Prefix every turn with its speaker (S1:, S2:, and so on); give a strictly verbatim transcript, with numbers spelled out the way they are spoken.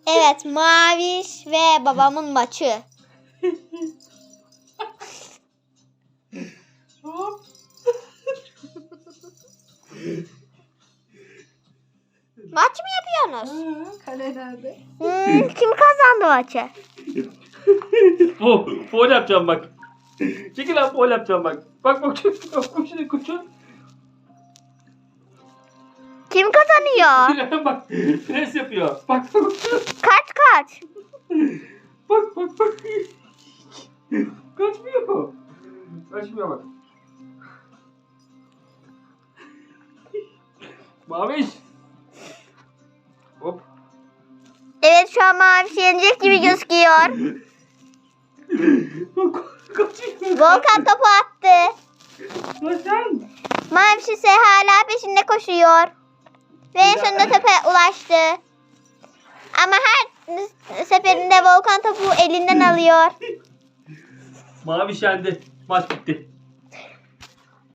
S1: Evet, Maviş ve babamın maçı. Maç mı yapıyorsunuz?
S2: Ha, kale nerede?
S1: Hmm, kim kazandı maçı?
S3: Fo, foul yapacağım bak. Çekil lan, foul yapacağım bak. Bak bak bak koşun koşun.
S1: Kim kazanıyor?
S3: Bak pres yapıyor. Bak bak
S1: Kaç kaç?
S3: bak bak bak. Kaçmıyor. Kaçmıyor bak. Maviş. Hop.
S1: Evet, şu an Maviş yenecek gibi gözüküyor.
S3: Kaçıyor.
S1: Volkan topu attı.
S3: Kaçan.
S1: Maviş ise hala peşinde koşuyor. Ve en sonunda topa ulaştı. Ama her seferinde Volkan topu elinden alıyor.
S3: Maviş yendi. Maç bitti.